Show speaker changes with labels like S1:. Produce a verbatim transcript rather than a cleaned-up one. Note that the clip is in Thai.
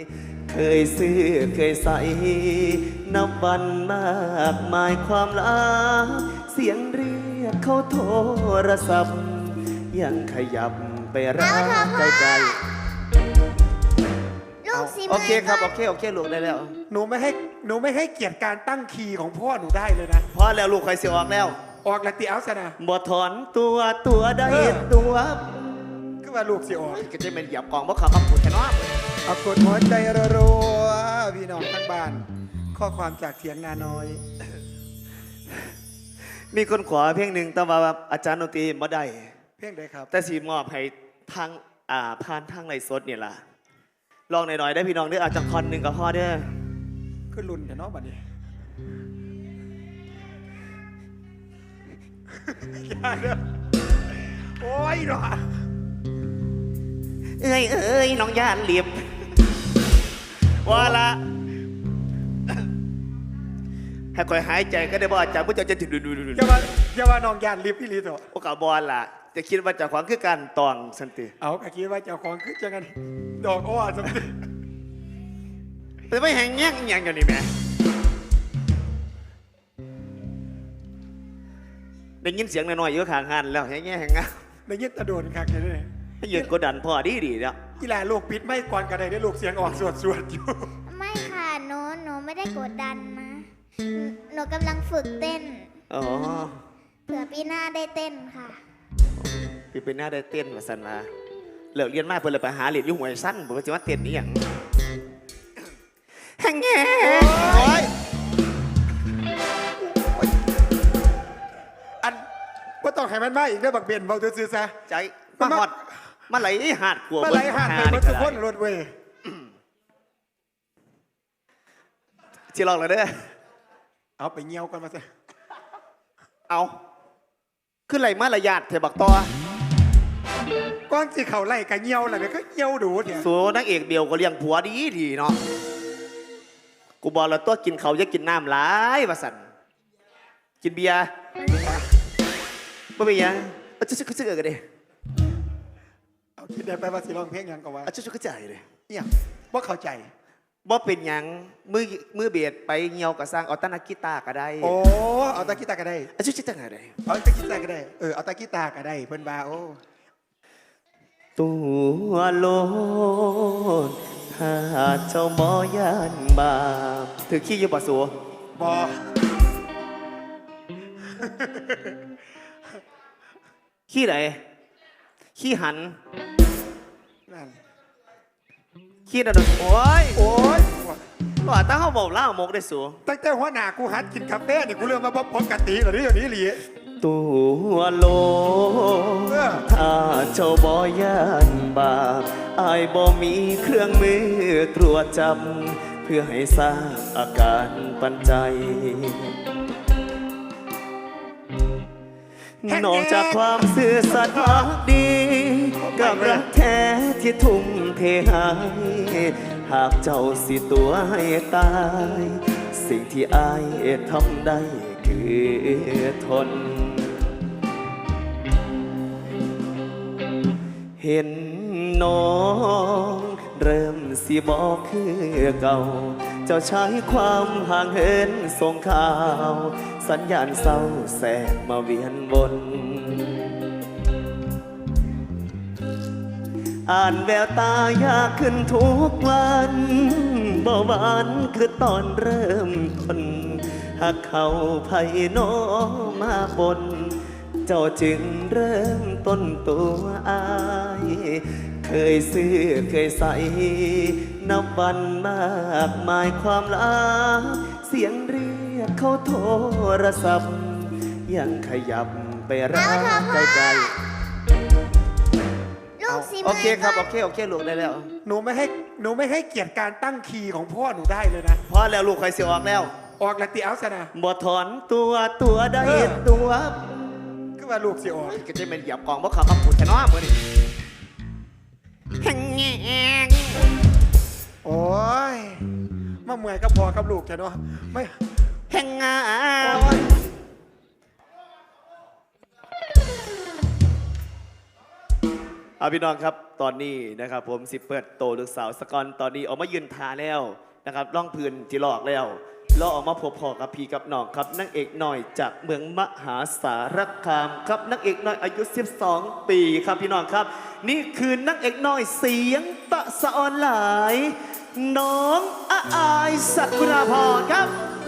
S1: เคยซื้อเคยใส่นับวันมากมายความลับเสียงเรียกเขาโทรศัพท์ยังขยับไปรักไกลๆ
S2: ลูกสิ
S1: โอเคครับโอเคโอเคลูกได้แล้ว
S3: หนูไม่ให้หนูไม่ให้เกียรติการตั้งคีย์ของพ่อหนูได้เลยนะ
S1: พอแล้วลูกใครเสียออกแล้ว
S3: ออกละติเอาซะนะ
S1: บ่ถอนตัวตัวได้
S3: เออ
S1: ตัว
S3: ก็ว่าลูกสิออก
S1: ก็จะเป็นเหยียบกองบ่ขับมาพูดแค่น้อ
S3: เอากดหัวใจรัวๆพี่น้องทั้งบ้าน ข้อความจากเถียงนาน้อย
S1: มีคนขอเพลงหนึ่งแต่ว่าอาจารย์ดนตรีบ่ได้
S3: เพลงใดครับ
S1: แต่สีมอบให้ทางอ่าผ่านทางไลฟ์สดนี่ล่ะลองหน่อยๆได้พี่น้องเด้ออาจจะคอนหนึ่งกับพ่อเด้อ
S3: ขึ้นรุ่นแต่น้องบัดนี้อย่าเด้อโอ้ยหรอ
S1: เอ้ยเอ้ยน้องย่านเหลียบว่าละให้คอยหายใจก็ได้บ่อาจารย์ผู้เจ้าจะดูดูดูดู
S3: อย่าว่าอย่าว่าน้องยานลิฟต์พี่ลีโต
S1: โอกาสบอลล่ะ จะคิดว่าเจะขวางคือการตองสันติ
S3: เอากะคิดว่าเจ้าของคือจังกันดอกอ้อสมติ
S1: แต่ไม่แหงแง่งอหย่างอยู่นี่แม่ได้ยินเสียงหน่อยๆอยู่ข้างหันแล้วแหงแง่แหงงะ
S3: ในยึดตะโดนคักเลย
S1: ให้ยืนกดดันพ่อดีดีแล้ว
S3: กีฬาลูกปิดไม่ก่อนกันได้ได้ลูกเสียงออกสวดสวดอยู่
S2: ไม่ค่ะหนูหนูไม่ได้กดดันนะหนูหนูกำลังฝึกเต้น
S1: อ๋อ
S2: เผื่อปีหน้าได้เต้นค่ะ
S1: พี่เป็นหน้าได้เต้นมาสันมาเลิกเรียนมากเพื่อเลยไปหาเหรียญยุ่งหวยสั้นบอกว่าจะว่าเต้นนี่อย่างแหงแง่โอ้ย
S3: อันว่าต้องให้มันมาอีกเด้อบักเบนเบาซื่อๆซะ
S1: ใจมาหอดมาไหลหาดกลัว
S3: เมื่อไรหาดไปเมื่อสุกคนรถเว้ย
S1: ที่ลองเลยเด้อ
S3: เอาไปเงี้ยวกันมาซะ
S1: เอาขึ้นไหลมาระยาดเถบักต่อ
S3: ก้อนสีเขาไล่กับเงี้ยวอะไรเนี่ยก็เงี้ยวดูเนี่ย
S1: สูนักเอกเดียวก็เลี้ยงผัวดีดีเนาะกูบอกแล้วตัวกินเขาจะกินน้ำหลายว่าสันกินเบียร์ไม่เป็นยังเอาชุดชุดชุดกันดิ
S3: เอาคิดได้ไปว่าสิร้องเพลงยังก็ว่า
S1: เอาชุดชุดกระจายเลย
S3: เนี่ยว่าเข้าใจ
S1: บ่เป็นยังมือมือเบียดไปเงียวกับสร้างเอาตานักกีตาร์ก็ได้
S3: โอ้เอาตะกีตาร์ก็ได้
S1: เอาชุดชุดจังไง
S3: เอาตะกีตาร์ก็ได้เออเอาตะกีตาร์ก็ได้เพิ่นบาโอ้
S1: ตัวโลนถ้าเจ้าบ่ยานบาปถือขี้อยู่ป่ะสัว
S3: บอ
S1: ขี้ไหนขี้หัน
S3: นั่น
S1: ขี้นั่นโอ้ย
S3: โอ้ย
S1: ว่าตั้งเขาบอกเล่าหมกได้สัว
S3: ตั้งแต่หัวหน้ากูหัดกินกาแฟนี่กูเริ่มมาบอกปกติเหรอนี่อย่างนี้หลี
S1: ตัวโลถ้าเจ้าบ่ยานบาปอายบ่มีเครื่องมือตรวจจับเพื่อให้ทราบอาการปันใจนอกจากความซื่อสัตย์รักดีกับรักแท้ที่ทุ่มเทให้หากเจ้าสิตัวให้ตายสิ่งที่อายทำได้คือทนเห็นน้องเริ่มสิบอกคือเก่าเจ้าใช้ความห่างเหินส่งข่าวสัญญาณเศร้าแสกมาเวียนวนอ่านแววตายากขึ้นทุกวันเบาหวานคือตอนเริ่มต้นหากเขาไผ่น้อมาบนเจ้าจึงเริ่มต้นตัวอายเคยซื้อเคยใส่นับวันมากมายความลับเสียงเรียกเขาโทรศัพท์ยังขยับไปรักไกลๆ
S2: ลูกสิ
S1: โอเคครับโอเคโอเคลูกได้แล้ว
S3: หนูไม่ให้หนูไม่ให้เกียรติการตั้งคีย์ของพ่อหนูได้เลยนะ
S1: พอแล้วลูกใครเสียออกแล้ว
S3: ออกละติเอาซะนะ
S1: บ่ถอนตัวตัวได้ตัว
S3: ก็ว่าลูกสิออก
S1: ก็จะเป็นเหยียบกองบ่ขับมาพูดแค่น้อมือนี่แหงแง
S3: โอ้ยมาเมื่อยก็พอกับลูกจ้ะเนาะไม่
S1: แหงงา
S3: โอ้ย
S1: เอาพี่น้องครับตอนนี้นะครับผมสิเปิดโตลูกสาวสกอนตอนนี้ออกมายืนทาแล้วนะครับล่องพื้นจีหลอกแล้วแล้วออกมาพบพอกับพี่กับน้องครับนางเอกหน่อยจากเมืองมหาสารคามครับนางเอกน้อยอายุสิบสองปีครับพี่น้องครับนี่คือนางเอกน้อยเสียงตะสะออนหลายน้องอาอายสักุราพรครับ